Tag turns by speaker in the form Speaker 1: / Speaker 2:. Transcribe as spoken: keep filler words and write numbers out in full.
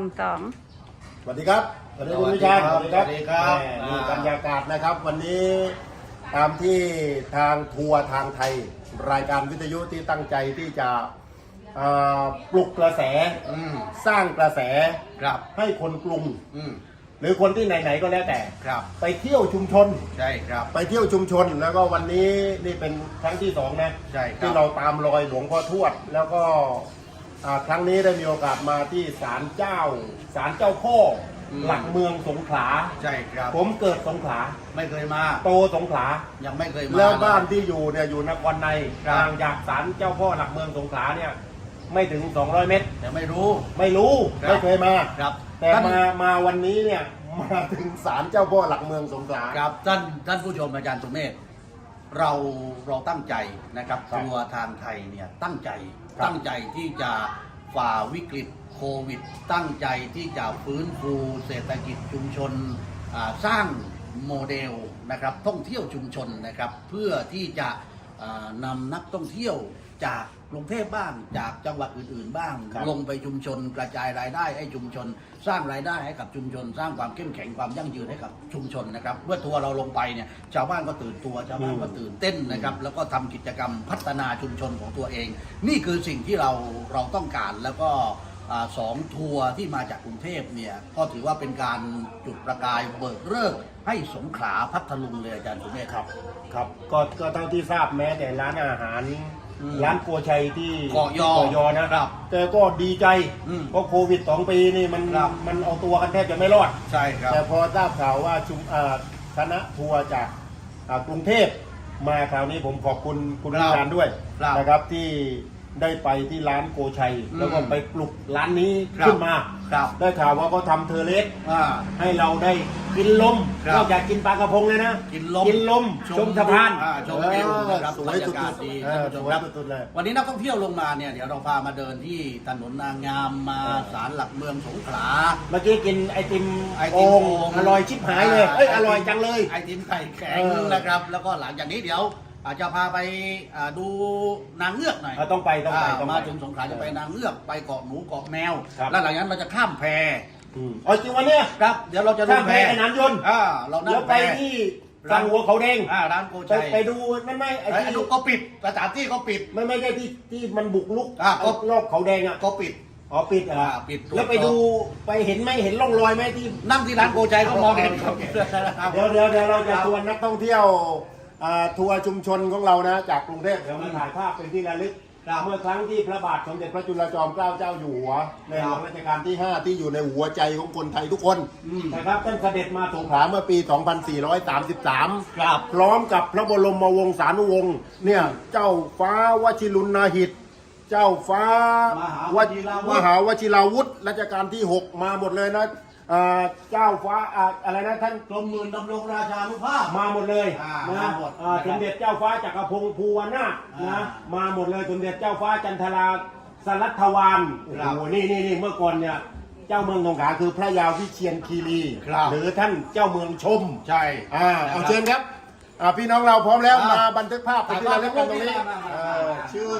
Speaker 1: สอง
Speaker 2: สวัสดีครับสวัสดีคุณวิชาสวัสดีครับ
Speaker 3: นี่
Speaker 2: บรรยากาศนะครับ วันนี้ตามที่ทางทัวร์ทางไทย รายการวิทยุที่ตั้งใจที่จะปลุกกระแสสร้างกระแสให้คนกรุงหรือคนที่ไหนๆก็แล้วแต่ไปเที่ยวชุมชน
Speaker 3: ใช่ครับ
Speaker 2: ไปเที่ยวชุมชนแล้วก็วันนี้นี่เป็นครั้งที่สองนะที่เราตามรอยหลวงพ่อทวดแล้วก็ครั้งนี้ได้มีโอกาสมาที่ศาลเจ้าศาลเจ้าพ่อหลักเมืองสงขลา
Speaker 3: ใช่ครับ
Speaker 2: ผมเกิดสงขลา
Speaker 3: ไม่เคยมา
Speaker 2: โตสงขลา
Speaker 3: ยังไม่เคยมา
Speaker 2: แล้วบ้านที่อยู่เนี่ยอยู่นครในห่างจากศาลเจ้าพ่อหลักเมืองสงขลาเนี่ยไม่ถึงสองร้อยเมตร
Speaker 3: แต่ไม่รู้
Speaker 2: ไม่รู้ไม่เคยมา
Speaker 3: ครับ
Speaker 2: แต่มามาวันนี้เนี่ยมาถึงศาลเจ้าพ่อหลักเมืองสงขลา
Speaker 3: ครับท่านท่านผู้ชมอาจารย์สุเมธเราเราตั้งใจนะครับทัวร์ทางไทยเนี่ยตั้งใจตั้งใจที่จะฝ่าวิกฤตโควิดตั้งใจที่จะฟื้นฟูเศรษฐกิจชุมชนสร้างโมเดลนะครับท่องเที่ยวชุมชนนะครับเพื่อที่จะนำนักท่องเที่ยวจากกรุงเทพบ้างจากจังหวัดอื่นๆบ้างลงไปชุมชนกระจายรายได้ให้ชุมชนสร้างรายได้ให้กับชุมชนสร้างความเข้มแข็งความยั่งยืนให้กับชุมชนนะครับเมื่อทัวร์เราลงไปเนี่ยชาวบ้านก็ตื่นตัวชาวบ้านก็ตื่นเต้นนะครับแล้วก็ทำกิจกรรมพัฒนาชุมชนของตัวเองนี่คือสิ่งที่เราเราต้องการแล้วก็สองทัวร์ที่มาจากกรุงเทพเนี่ยก็ถือว่าเป็นการจุดประกายเบิกเลิกให้สงขลาพัทลุงเลยอาจารย์สุเมธ
Speaker 2: ครับครับก็ก็เท่าที่ทราบแม้แต่ร้านอาหารร้านโกชัยที่
Speaker 3: เกาะยอ
Speaker 2: ยอนะครับแต่ก็ดีใจเพราะโควิดสองปีนี่มันมันเอาตัวกันแทบจะไม่รอด
Speaker 3: ใช่ครับ
Speaker 2: แต่พอทราบข่าวว่าชุมคณะทัวร์จากกรุงเทพมาคราวนี้ผมขอบคุณคุณวิชาญด้วยนะครับที่ได้ไปที่ร้านโกชัยแล้วก็ไปปลุกร้านนี้ขึ้นมาได้ข่าวว่าเขาทำเทอร์เลสให้เราได้กินลมนอกจากกินปลากระพงเลยนะ
Speaker 3: กินลม
Speaker 2: กินลมชมสะพาน
Speaker 3: ชมวิวนะครับ
Speaker 2: สวยสุดๆ
Speaker 3: ดีสุดๆเลยวันนี้นักท่องเที่ยวลงมาเนี่ยเดี๋ยวเราพามาเดินที่ถนนนางงามมาศาลหลักเมืองสงขลา
Speaker 2: เมื่อกี้กินไอติมไอติมอร่อยชิบหายเลยเอ้ยอร่อยจังเลย
Speaker 3: ไอติมไข่แข็งนะครับแล้วก็หลังจากนี้เดี๋ยวอาจจะพาไปดูนางเงือกหน่อย
Speaker 2: ต้องไปต้องไป
Speaker 3: มาถึงสงขลาจะไปนางเงือกไปเกาะหนูเกาะแมวแล้วหลังจากนั้นเราจะข้ามแพ
Speaker 2: อ๋อจริงวันนี้
Speaker 3: ครับเดี๋ยวเราจะ
Speaker 2: ข้ามแพในน้ำยนต์
Speaker 3: เรา
Speaker 2: เดี๋ยวไปที่ร้านหัวเขาแดง
Speaker 3: ร้านโกชัย
Speaker 2: ไปดูไม่ไม่ไอ้ที่
Speaker 3: ก็ปิดสถานที่ก็ปิด
Speaker 2: ไม่ไม่ใช่ที่ที่มันบุกลุกรอบเขาแดงอ่ะ
Speaker 3: ก็ปิด
Speaker 2: อ๋อปิดอ่ะ
Speaker 3: ปิด
Speaker 2: แล้วไปดูไปเห็นไหมเห็นร่องรอยไหมที่
Speaker 3: นั่งที่ร้านโกชัยก็มองเห็นครับ
Speaker 2: เดี๋ยวเดี๋ยวเดี๋ยวเราจะชวนนักท่องเที่ยวทัวร์ชุมชนของเรานะจากกรุงเทพเดี๋ยวมาถ่ายภาพเป็นที่ระลึกเมื่อครั้งที่พระบาทสมเด็จพระจุลจอมเกล้าเจ้าอยู่หัวในหลวงรัชกาลที่ห้าที่อยู่ในหัวใจของคนไทยทุกคนนะครับท่านเสด็จมาสงขลาเมื่อปี สองพันสี่ร้อยสามสิบสาม พร้อมกับพระบรมวงศานุวงศ์เนี่ยเจ้าฟ้าวชิรุณาหิตเจ้าฟ้ามหาวชิราวุธรัชกาลที่หกมาหมดเลยนะเจ้าฟ้าอะไรนะท่าน
Speaker 3: กรมหมื่นดำรงราชานุภาพ
Speaker 2: มาหมดเลยนะสมเด็จเจ้าฟ้าจักรพงศ์ภูวนาถนะมาหมดเลยสมเด็จเจ้าฟ้าจันทราสรัทวานโอ้โหนี่นี่นี่เมื่อก่อนเนี่ยเจ้าเมืองสงขลาคือพระยาวิเชียรคีรีหรือท่านเจ้าเมืองชม
Speaker 3: ใช่
Speaker 2: เอาเชิญครับพี่น้องเราพร้อมแล้วมาบันทึกภาพไปที่ระลึกกันตรงนี้ชื่อ